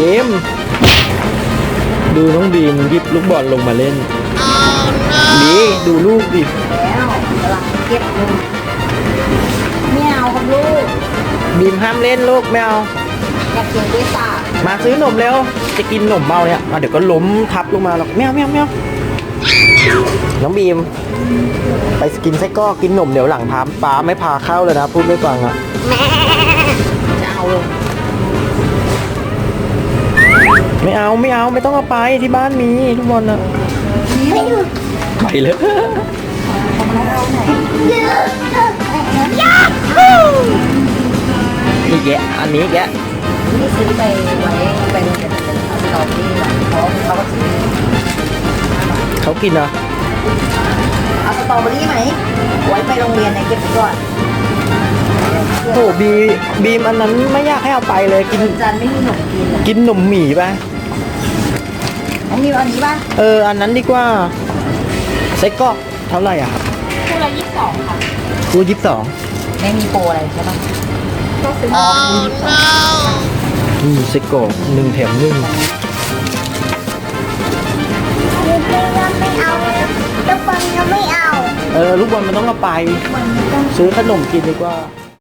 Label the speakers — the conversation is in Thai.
Speaker 1: บีมดูน้องบีมหยิบลูกบอลลงมาเล่นบีดูลูกดิ
Speaker 2: แล้วกำลังเก็บเงินไม่เอาครับลูก
Speaker 1: บีมห้ามเล่นลูกไม่เอา
Speaker 2: อยากกินพิซซ่า
Speaker 1: มาซื้อนมเร็วจะกินนมเมาเนี่ยมาเดี๋ยวก็ล้มทับลงมาหรอกแมวแมวแมวน้องบีมไปกินไส้กรอกกินนมเดี๋ยวหลังพาป้าไม่พาเข้าเลยนะพูดไม่ฟังอ่ะ
Speaker 2: แม่จะเอาเลย
Speaker 1: ไม่เอาไม่เอาไม่ต้องเอาไปที่บ้านมีทุกคนนะ
Speaker 2: ไม่ดู
Speaker 1: ไปเลย
Speaker 2: เอาไหนยาฮู
Speaker 1: อีกแกะอันนี้แกะ
Speaker 2: นี่ซื้อไปไว้เป็นตอนที่แบบเขาก็ซื้อ
Speaker 1: เขากินเหรอ
Speaker 2: เอาสตรอเบอรี่ไหมไว้ไปโรงเรียนในเก็บไว้ก่อน
Speaker 1: โอ้บีมอันนั้นไม่อยากให้เอาไปเลยกิน
Speaker 2: จันไม่มีขนมกินอ่ะ
Speaker 1: กินนมหมี่ไป
Speaker 2: น้องมีอันนี้ป่ะ
Speaker 1: อันนั้นดีกว่าไส้กรอกเท่าไหร่อ่ะครับ
Speaker 2: คู่ละ22ค่ะ
Speaker 1: คู22
Speaker 2: ไม่มีโปรอะไรใช่ป่ะก็ซื้ออ๋อ
Speaker 1: นี่ไส้กรอก1 แถม 1
Speaker 2: ไม่เอาลูกบอลยังไม่เอา
Speaker 1: ลูกบอลมันต้องเอาไป ซื้อขนมกินดีกว่า